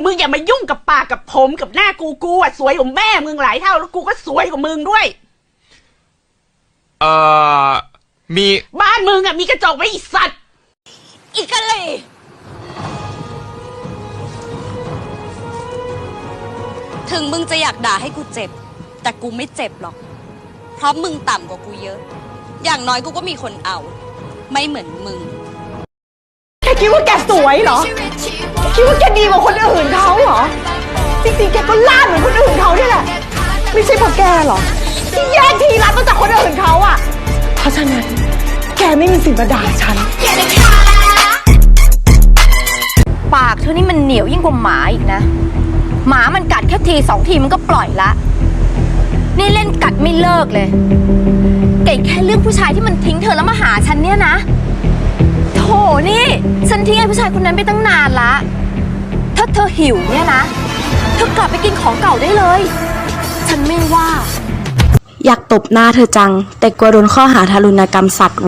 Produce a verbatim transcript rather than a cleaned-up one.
มึงอย่ามายุ่งกับปากกับผมกับหน้ากูกูอ่ะสวยกว่าแม่มึงหลายเท่าแล้วกูก็สวยกว่ามึงด้วยเอ่อมีบ้านมึงอ่ะมีกระจกไว้อีสัตว์อีกะเลยถึงมึงจะอยากด่าให้กูเจ็บแต่กูไม่เจ็บหรอกเพราะมึงต่ำกว่ากูเยอะอย่างน้อยกูก็มีคนเอาไม่เหมือนมึงแกคิดว่าแกสวยเหรอคิดว่าแกดีกว่าคนอื่นเขาเหรอจริงๆแกก็ล่าเหมือนคนอื่นเขาเนี่ยแหละไม่ใช่เพราะแกหรอที่แย่งทีรักมาจากคนอื่นเขาอ่ะเพราะฉะนั้นแกไม่มีสิทธิ์มาด่าฉันปากเธอนี่มันเหนียวยิ่งกว่าหมาอีกนะหมามันกัดแค่ทีสองทีมันก็ปล่อยละนี่เล่นกัดไม่เลิกเลยเก่งแค่เรื่องผู้ชายที่มันทิ้งเธอแล้วมาหาฉันเนี่ยนะโถนี่ฉันทิ้งไอ้ผู้ชายคนนั้นไปตั้งนานละถ้าเธอหิวเนี่ยนะเธอกลับไปกินของเก่าได้เลยฉันไม่ว่าอยากตบหน้าเธอจังแต่กลัวโดนข้อหาทารุณกรรมสัตว์